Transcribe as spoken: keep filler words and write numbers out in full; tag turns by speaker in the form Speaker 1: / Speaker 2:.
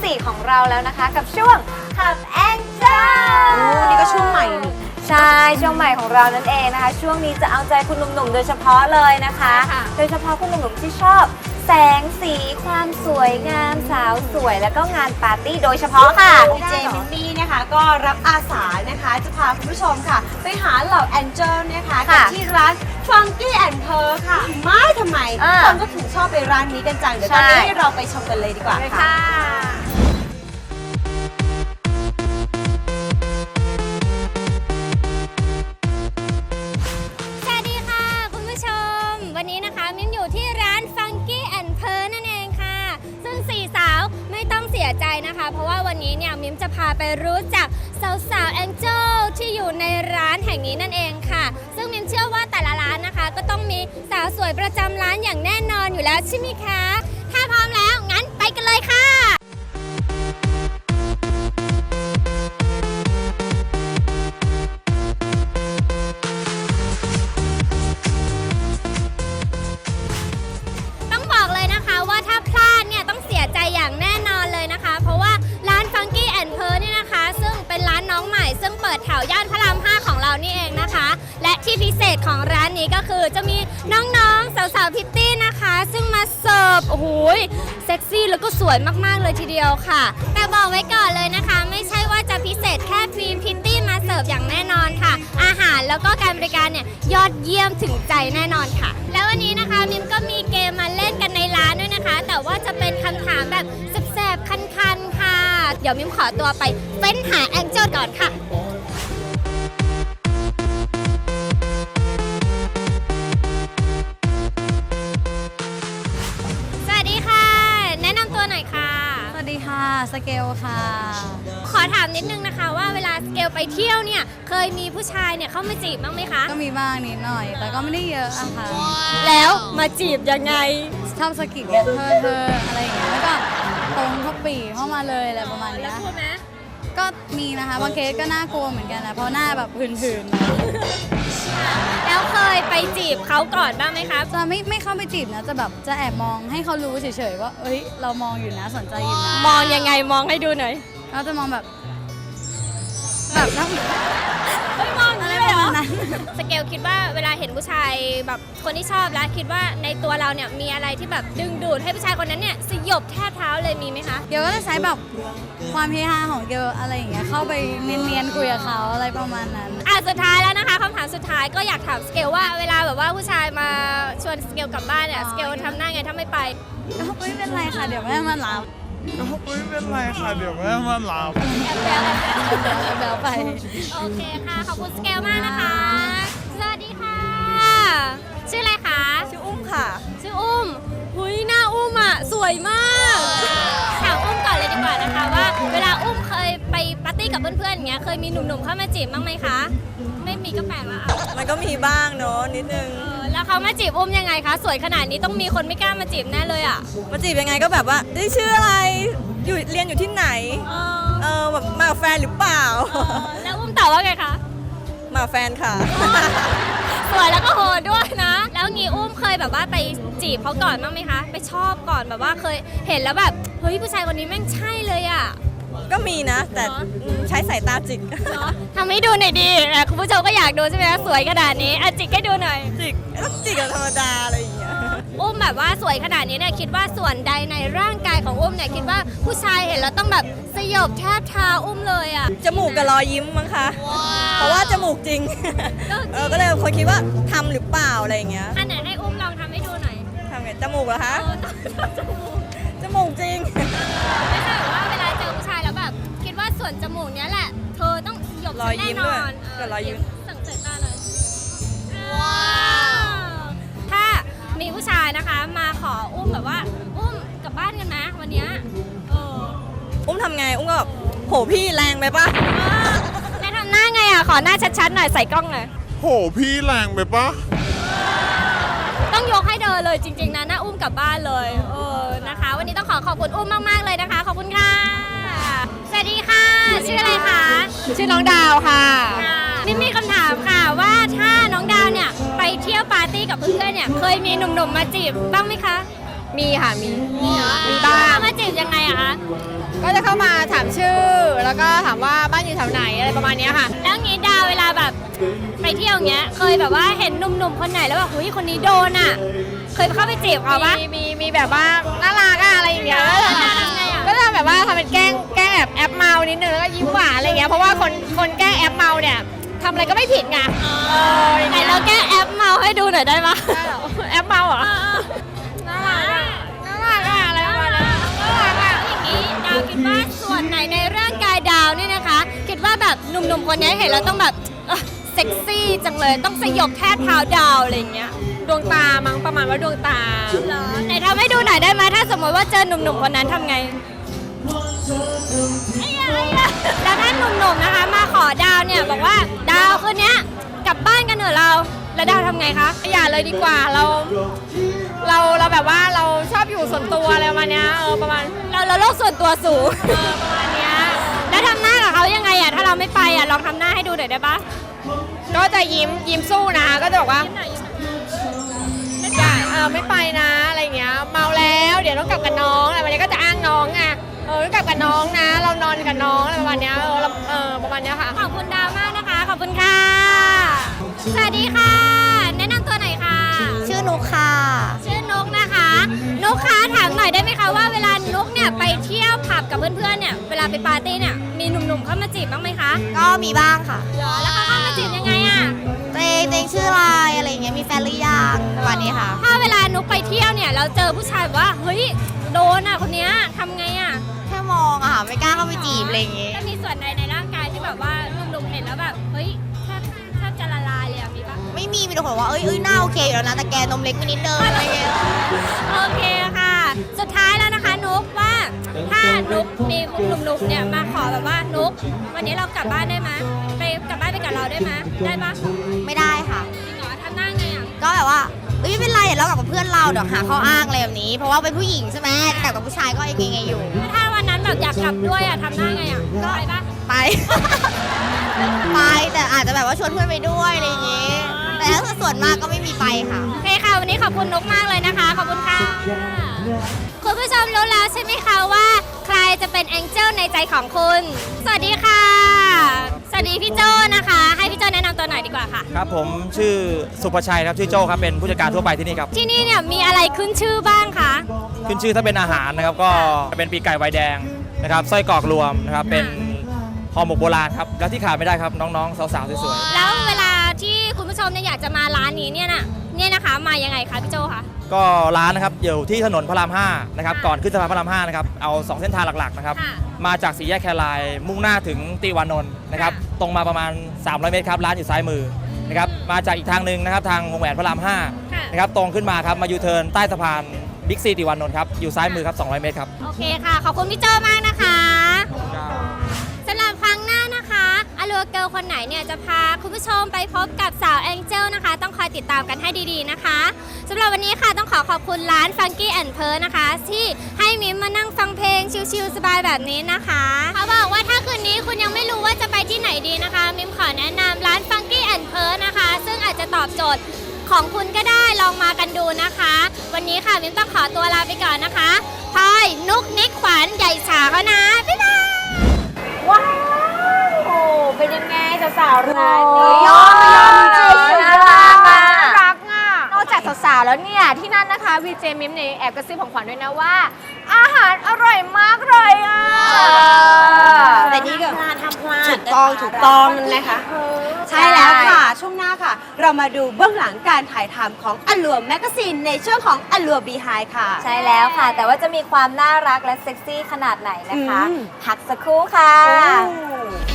Speaker 1: สี่ของเราแล้วนะคะกับช่วง Club Angel
Speaker 2: โอ้นี่ก็ช่วงใหม่นี่
Speaker 1: ใช่ช่วงใหม่ของเรานั่นเองนะคะช่วงนี้จะเอาใจคุณหนุ่มๆโดยเฉพาะเลยนะคะโดยเฉพาะคุณหนุ่มๆที่ชอบแสงสีความสวยงามสาวสวยแล้วก็งานปาร์ตี้โดยเฉพาะค่ะ
Speaker 2: ดีเจมินนี่นะคะก็รับอาสานะคะจะพาคุณผู้ชมค่ะไปหาเหล่าแองเจิลนะคะกันที่ร้าน Funky and Pearl ค่ะไม่ทำไมคนก็ถึงชอบไปร้านนี้กันจังเดี๋ยวตอนนี้ให้เราไปชมกันเลยดีกว่าค่ะ
Speaker 3: วันนี้นะคะมิ้นอยู่ที่ร้าน Funky and Pearl นั่นเองค่ะซึ่งสี่สาวไม่ต้องเสียใจนะคะเพราะว่าวันนี้เนี่ยมิ้มจะพาไปรู้จักสาวๆแองเจิลที่อยู่ในร้านแห่งนี้นั่นเองค่ะซึ่งมิ้มเชื่อว่าแต่ละร้านนะคะก็ต้องมีสาวสวยประจำร้านอย่างแน่นอนอยู่แล้วใช่ไหมคะถ้าพร้อมแล้วงั้นไปกันเลยค่ะว่าถ้าพลาดเนี่ยต้องเสียใจอย่างแน่นอนเลยนะคะเพราะว่าร้าน Funky and Pearl เนี่ยนะคะซึ่งเป็นร้านน้องใหม่ซึ่งเปิดแถวย่านพระรามห้าของเรานี่เองนะคะและที่พิเศษของร้านนี้ก็คือจะมีน้องๆสาวๆพิตตี้นะคะซึ่งมาเสิร์ฟโอ้โหเซ็กซี่แล้วก็สวยมากๆเลยทีเดียวค่ะแต่บอกไว้ก่อนเลยนะคะไม่ใช่ว่าจะพิเศษแค่ทีมพิตตี้มาเสิร์ฟอย่างแน่นอนค่ะอาหารแล้วก็การบริการเนี่ยยอดเยี่ยมถึงใจแน่นอนค่ะแล้ววันนี้นะคะมิมก็มีเกมมาเล่นกันในร้านด้วยนะคะแต่ว่าจะเป็นคำถามแบบแสบๆคันๆค่ะเดี๋ยวมิมขอตัวไปเฟ้นหาแองเจิลก่อนค่ะสวัสดีค่ะแนะนำตัวหน่อยค่ะ
Speaker 4: สวัสดีค่ะสเกลค่ะ
Speaker 3: ขอถามนิดนึงนะคะว่าเวลาสเกลไปเที่ยวเนี่ยเคยมีผู้ชายเนี่ยเข้ามาจีบบ้างไหมคะ
Speaker 4: ก็มีบ้างนิดหน่อยแต่ก็ไม่ได้เยอะอะค่ะ
Speaker 3: แล้วมาจีบยังไง
Speaker 4: ชอบสกิดเนี่ยเธอเธออะไรอย่างเงี้ยแล้วก็ตรงเข้าปีเข้ามาเลยอะไรประมาณนี้
Speaker 3: แล้วพูดไหม
Speaker 4: ก็มีนะคะบางเคสก็น่ากลัวเหมือนกันนะเพราะหน้าแบบผื่น
Speaker 3: ๆแล้วเคยไปจีบเขาก่อนบ้างไหมคะ
Speaker 4: จะไม่ไม่เข้าไปจีบนะจะแบบจะแอบมองให้เขารู้เฉยๆว่าเอ้ยเรามองอยู่นะสนใจอยู่นะ
Speaker 3: มองยังไงมองให้ดูหน่อย
Speaker 4: เราจะมองแบบแบบนั่ง
Speaker 3: ไม่มองอะไรแบบนั้นสเกลคิดว่าเวลาเห็นผู้ชายแบบคนที่ชอบแล้วคิดว่าในตัวเราเนี่ยมีอะไรที่แบบดึงดูดให้ผู้ชายคนนั้นเนี่ยสยบแทบเท้าเลยมีไหมคะ
Speaker 4: เกลก็จะใช้แบบความเฮฮาของเกลอะไรอย่างเงี้ยเข้าไปเนียนๆคุยกับเขาอะไรประมาณนั้น
Speaker 3: อ่ะสุดท้ายแล้วนะคะคำถามสุดท้ายก็อยากถามสเกลว่าเวลาแบบว่าผู้ชายมาชวนสเกลกลับบ้านเนี่ยสเกลทำหน้าไงถ้าไม่ไป
Speaker 4: ก็ไม่เป็นไรค่ะเดี๋ยวแม่มารับ
Speaker 5: ก็ไม่เป็นไรค่ะเดี๋ยวแม่มารับ
Speaker 3: แอบแบลแอบแบล
Speaker 4: แอบแบลไป
Speaker 3: โอเคค่ะขอบคุณสเกลมากนะคะสวัสดีค่ะชื่ออะไรคะ
Speaker 2: ชื่ออุ้มค่ะ
Speaker 3: ชื่ออุ้มหุยหน้าอุ้มอ่ะสวยมากถามอุ้มก่อนเลยดีกว่านะคะว่าเวลาอุ้มเคยไปปาร์ตี้กับเพื่อนๆอย่างเงี้ยเคยมีหนุ่มๆเข้ามาจีบบ้างไหมคะไม่มีก็แปลกแล้วอ่ะ
Speaker 2: มันก็มีบ้างเนาะนิดนึง
Speaker 3: แล้วเขามาจีบอุ้มยังไงคะสวยขนาดนี้ต้องมีคนไม่กล้ามาจีบแน่เลยอ่ะ
Speaker 2: มาจีบยังไงก็แบบว่าได้ชื่ออะไรอยู่เรียนอยู่ที่ไหนเออแบบมาแฟนหรือเปล่า
Speaker 3: แล้วอุ้มตอบว่าไงคะ
Speaker 2: มาแฟนค่ะ
Speaker 3: สวยแล้วก็โหดด้วยนะแล้วงี้อุ้มเคยแบบว่าไปจีบเขาก่อนบ้างไหมคะไปชอบก่อนแบบว่าเคยเห็นแล้วแบบเฮ้ยผู้ชายคนนี้แม่งใช่เลยอ่ะ
Speaker 2: ก็มีนะแต่ใช้สายตาจิก
Speaker 3: ทำให้ดูหน่อยดีคุณผู้ชมก็อยากดูใช่ไหมสวยขนาดนี้อ่ะจิกให้ดูหน่อย
Speaker 2: จิกต้องจิกกับธรรมดาอะไรอย่างเงี้ย
Speaker 3: อุ้มแบบว่าสวยขนาดนี้เนี่ยคิดว่าส่วนใดในร่างกายของอุ้มเนี่ยคิดว่าผู้ชายเห็นแล้วต้องแบบสยบแทบเท้าอุ้มเลยอ่ะ
Speaker 2: จมูกกับรอยยิ้มมั้งคะเพราะว่าจมูกจริงเออก็เลยคนคิดว่าทำหรือเปล่าอะไรอย่างเงี้ย
Speaker 3: อันไหนให้อุ้มลองทำให้ดูหน่อย
Speaker 2: ทำไงจมูกเหรอคะจมูกจริง
Speaker 3: ไม่ใช่แบบว่าเวลาเจอผู้ชายแล้วแบบคิดว่าส่วนจมูกเนี้ยแหละเธอต้องหยบแน่นอน
Speaker 2: กับรอยยิ้ม
Speaker 3: สั่งสายตาเลยว้าวถ้ามีผู้ชายนะคะมาขออุ้มแบบว่าอุ้มกลับบ้านกันนะวันนี้เออ
Speaker 2: อุ้มทำไงอุ้มก็แบบโหพี่แรงไปปะ
Speaker 3: แม่ทำหน้าไงอ่ะขอหน้าชัดๆหน่อยใส่กล้องหน่อย
Speaker 5: โหพี่แรงไปปะ
Speaker 3: ต้องยกให้เธอเลยจริงๆนะหน้าอุ้มกลับบ้านเลยเออนะคะวันนี้ต้องขอขอบคุณอุ้มมากๆเลยนะคะขอบคุณค่ะสวัสดีค่ะชื่ออะไรคะ
Speaker 4: ชื่อน้องดาวค่ะ
Speaker 3: นี่มีคำถามค่ะว่าถ้าน้องดาวเนี่ยไปเที่ยวปาร์ตี้กับเพื่อนๆเนี่ยเคยมีหนุ่มๆมาจีบบ้างไหมคะ
Speaker 6: มีค่ะมี
Speaker 3: มีเหรอ
Speaker 6: มีบ้าง
Speaker 3: เข้ามาจีบยังไงอะคะ
Speaker 6: ก็จะเข้ามาถามชื่อ แล้วก็ถามว่าบ้านอยู่แถวไหนอะไรประมาณเนี้ยค่ะ
Speaker 3: แล้วงี้ดาวเวลาแบบไปเที่ยวเงี้ยเคยแบบว่าเห็นหนุ่มๆคนไหนแล้วแบบหุยคนนี้โดนอะเคยเข้าไปจีบเขาปะ
Speaker 6: มีมีมีแบบว่าน่ารักอะอะไรอย่างเงี้ย
Speaker 3: น่ารักน่ารักไงอะ
Speaker 6: ก็จะแบบว่าทำเป็นแกล้งแกล้งแบบแอปเมานิดนึงแล้วก็ยิ้มหวานอะไรเงี้ยเพราะว่าคนคนแกล้งแอปเมาเนี่ยทำอะไรก็ไม่ผิดไงเอออย่าง
Speaker 3: ไหน
Speaker 6: เงี้ย
Speaker 3: เราแก้แอปเมาให้ดูหน่อยได้ปะ
Speaker 6: ได้เหรอแอปเมาเหรอน่ารักอะน่ารักอะอะไรประมาณนั้นน่ารักอะ
Speaker 3: อย่างนี้ดาวคิดว่าส่วนไหนในร่างกายดาวเนี่ยนะคะ คิดว่าแบบหนุ่มๆคนนี้เห็นแล้วต้องแบบเอ้อเซ็กซี่จังเลยต้องสยบแทบเท้าดาวอะไรอย่างเงี้ย
Speaker 6: ดวงตามั้งประมาณว่าดวงตา
Speaker 3: เหรอไหนทำให้ดูหน่อยได้ไหมถ้าสมมติว่าเจอหนุ่มๆคนนั้นทำไงไอ้ยะไอ้ยะแล้วถ้าหนุ่มๆนะคะ มาขอดาวเนี่ยบอกว่าดาวคืนเนี้ยกลับบ้านกันเถอะเรา แล้วดาวทำไงคะ
Speaker 6: อย่าเลยดีกว่าเรา เราเราแบบว่าเราชอบอยู่ส่วนตัวอะไรประมาณเนี้ยเออประมาณ
Speaker 3: เราเราโลกส่วนตัวสูง
Speaker 6: เออประมาณเนี้ย
Speaker 3: แล้วทำหน้ากับเขายังไงอ่ะถ้าเราไม่ไปอ่ะลองทำหน้าให้ดูหน่อยได้ปะ
Speaker 6: ก็จะยิ้มยิ้มสู้นะก็จะบอกว่าอย่าเออไม่ไปนะอะไรเงี้ยเมาแล้วเดี๋ยวต้องกลับกับน้องอะไรประมาณเนี้ยก็จะอ้างน้องไงเออต้องกลับกับน้องนะ เรานอนกับน้องอะไรประมาณเนี้ยเออเราเออประมาณเนี้ยค่ะ
Speaker 3: ขอบคุณดาวมากนะคะ ขอบคุณค่ะ สวัสดีค่ะ แนะนำตัวหน่อยค่ะ
Speaker 4: ชื่อนุกค่ะ
Speaker 3: ชื่อนุกนะคะนุกคะถามหน่อยได้ไหมคะว่าเวลานุกเนี่ยไปเที่ยวผับกับเพื่อนๆเนี่ยเวลาไปปาร์ตี้เนี่ยมีหนุ่มๆเข้ามาจีบบ้างไหมคะ
Speaker 4: ก็มีบ้างค่ะ
Speaker 3: เหรอแล้วเขาเข้ามาจีบยังไงอะ
Speaker 4: ตัวเองตัวเองชื่ออะไรอะไรอย่างเงี้ยมีแฟนหรือยังประมาณนี้ค่ะ
Speaker 3: ถ้าเวลานุกไปเที่ยวเนี่ยเราเจอผู้ชายแบบว่าเฮ้ยโดนอะคนเนี้ยทำไงอะ
Speaker 4: แค่มองอะค่ะไม่กล้าเข้าไปจีบอะไรอย่างเงี้ย
Speaker 3: จะมีส่วนใดในร่างกายที่แบบว่าหนุ่มๆเห็นแล้วแบบเฮ้ยแทบแทบจะละลายเลยอะมีปะ
Speaker 4: ไม่มีมีแต่คนบอกว่าเอ้ยเอ้ยหน้าโอเคอยู่แล้วนะแต่แกนมเล็กไปนิดเดิมอะไรเงี้ย
Speaker 3: โอเคค่ะ สุดท้ายแล้วนะคะนุกว่าถ้านุกมีหนุ่มๆเนี่ยมาขอแบบว่านุกวันนี้เรากลับบ้านได้ไหมไปกลับบ้านไปกับเราได้ไหมได้ปะ
Speaker 4: ไม่ได้ค่ะ
Speaker 3: จริงเหรอทำหน้าไงอะ
Speaker 4: ก็แบบว่าเอ้ยไม่เป็นไรเดี๋ยวเรากลับกับเพื่อนเราเดี๋ยวหาข้ออ้างอะไรแบบนี้ เพราะว่าเป็นผู้หญิงใช่ไหมแต่กับผู้ชายก็ยังไงอยู่
Speaker 3: ถ้าวันนั้นแบบอยากกลับด้วยอะทำหน้าไงอะก็ไปปะ
Speaker 4: ไป ไปแต่อาจจะแบบว่าชวนเพื่อนไปด้วยอะไรอย่างงี้ แต่ถ้าส่วนมากก็ไม่มีไปค่ะ
Speaker 3: โอเคค่ะวันนี้ขอบคุณนุกมากเลยนะคะขอบคุณค่ะคุณผู้ชมรู้แล้วใช่ไหมคะว่าใครจะเป็นแองเจิลในใจของคุณ สวัสดีค่ะ สวัสดีพี่โจนะคะ ให้พี่โจแนะนำตัวหน่อยดีกว่าค่ะ
Speaker 7: ครับผมชื่อสุภชัยครับชื่อโจ้ครับเป็นผู้จัดการทั่วไปที่นี่ครับ
Speaker 3: ที่นี่เนี่ยมีอะไรขึ้นชื่อบ้างคะ
Speaker 7: ขึ้นชื่อถ้าเป็นอาหารนะครับก็เป็นปีกไก่ไวน์แดงนะครับไส้กรอกรวมนะครับเป็นห่อหมกโบราณครับแล้วที่ขาดไม่ได้ครับน้องๆสาวๆสวย
Speaker 3: แล้วเวลาที่คุณผู้ชมเนี่ยอยากจะมาร้านนี้เนี่ยนะเนี่ยนะคะมายังไงคะพี่โจคะ
Speaker 7: ๆก็ร้านนะครับอยู่ที่ถนนพระรามห้านะครับ
Speaker 3: ค่ะ
Speaker 7: ก่อนขึ้นสะพานพระรามห้านะครับเอาสองเส้นทางหลักๆนะครับ
Speaker 3: ค่ะ
Speaker 7: มาจากสี่แยกแครายมุ่งหน้าถึงติวานนท์นะครับ
Speaker 3: ค่ะ
Speaker 7: ตรงมาประมาณสามร้อยเมตรครับร้านอยู่ซ้ายมือนะครับมาจากอีกทางหนึ่งนะครับทางวงแหวนพระรามห้า
Speaker 3: ค่ะ
Speaker 7: นะครับตรงขึ้นมาครับมายูเทิร์นใต้สะพานบิ๊กซีติวานนท์ครับอยู่ซ้ายมือครับสองร้อยเมตรครับ
Speaker 3: โอเคค่ะ ขอบคุณพี่โจมากนะคะสำหรับครั้งหน้านะคะอลัวเกิลคนไหนเนี่ยจะพาคุณผู้ชมไปพบกับสาวแองเจิลนะคะ ต้องคอยติดตามกันให้ดีๆนะคะสำหรับวันนี้ค่ะต้องขอขอบคุณร้าน Funky and Pearl นะคะ ที่ให้มิมมานั่งฟังเพลงชิลๆสบายแบบนี้นะคะเขาบอกว่าถ้าคืนนี้คุณยังไม่รู้ว่าจะไปที่ไหนดีนะคะ มิมขอแนะนำร้าน Funky and Pearl นะคะ ซึ่งอาจจะตอบโจทย์ของคุณก็ได้ลองมากันดูนะคะ วันนี้ค่ะมิมต้องขอตัวลาไปก่อนนะคะพลอยนุกนิกขวัญใหญ่ฉาเขานะบ๊ายบาย
Speaker 1: ว้าวโอ้เป็นยังไงสาวๆร้านนี้
Speaker 2: ยอมยอมจริง
Speaker 1: น่ารักอ่ะ
Speaker 6: รักอ่ะนอกจากสาวๆแล้วเนี่ยที่นั่นนะคะวีเจมิมเนี่ยแอบกระซิบของขวัญด้วยนะว่า อาหารอร่อยมากเลยอ่ะ
Speaker 2: แต่นี่ก็ถูกต้องถูกต้องนะคะ ใช่แล้วค่ะ ช่วงหน้าค่ะ เรามาดูเบื้องหลังการถ่ายทำของอลัวแมกกาซีนในช่วงของอลัวบีไฮค่ะ
Speaker 1: ใช่แล้วค่ะ แต่ว่าจะมีความน่ารักและเซ็กซี่ขนาดไหนนะคะ
Speaker 2: อืม
Speaker 1: พักสักครู่ค่ะ
Speaker 2: โอ้